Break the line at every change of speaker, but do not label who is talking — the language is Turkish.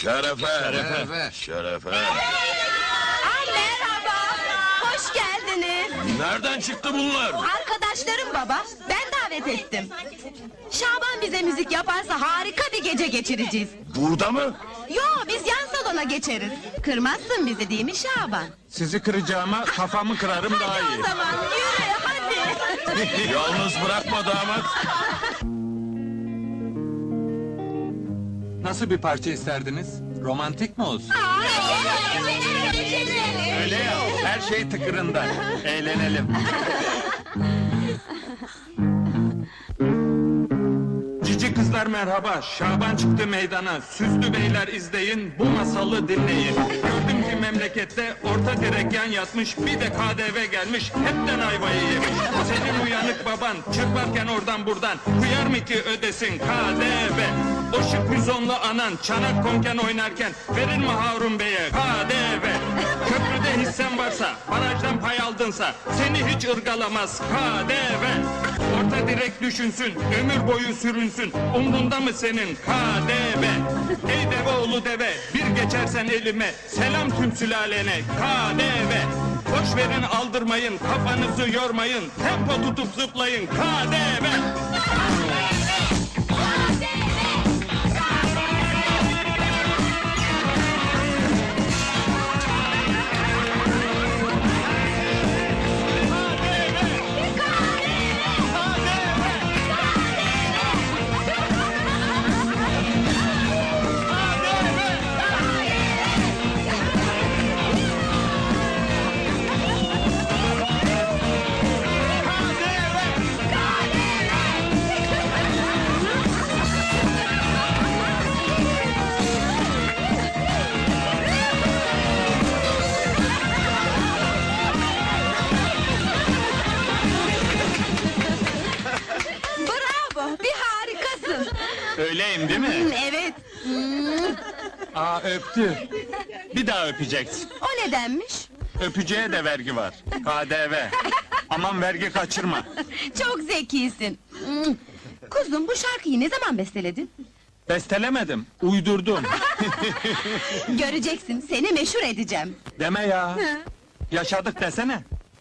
Şerefe.
Şerefe.
Şerefe.
Merhaba, hoş geldiniz.
Nereden çıktı bunlar?
Arkadaşlarım baba, ben davet ettim. Şaban bize müzik yaparsa harika bir gece geçireceğiz.
Burada mı?
Yo, biz yan salona geçeriz. Kırmazsın bizi değil mi Şaban?
Sizi kıracağıma kafamı kırarım daha
Hadi
iyi.
o zaman, yürü hadi.
Yalnız bırakma damat.
Nasıl bir parça isterdiniz? Romantik mi olsun? Öyle ya, her şey tıkırında. Eğlenelim. Cici kızlar merhaba, Şaban çıktı meydana. Süslü beyler izleyin, bu masalı dinleyin. Gördüm ki memlekette orta direk yan yatmış, bir de KDV gelmiş, hepten ayvayı yemiş. Senin uyanık baban çırparken oradan buradan, kıyar mı ki ödesin KDV? O şık müzonlu anan çanak konken oynarken, verir mi Harun Bey'e KDV? Köprüde hissen varsa, barajdan pay aldınsa, seni hiç ırgalamaz KDV. Orta direk düşünsün, ömür boyu sürünsün, umrunda mı senin KDV? Ey deve oğlu deve, bir geçersen elime, selam tüm sülalene KDV. Boş verin aldırmayın, kafanızı yormayın, tempo tutup zıplayın KDV.
Bravo, bir harikasın.
Öyleyim değil mi?
Evet,
Aa öptü. Bir daha öpeceksin.
o nedenmiş?
Öpücüğe de vergi var. KDV. Aman vergi kaçırma.
Çok zekisin. Kuzum, bu şarkıyı ne zaman besteledin?
Bestelemedim, uydurdum.
Göreceksin, seni meşhur edeceğim.
Deme ya. Yaşadık desene.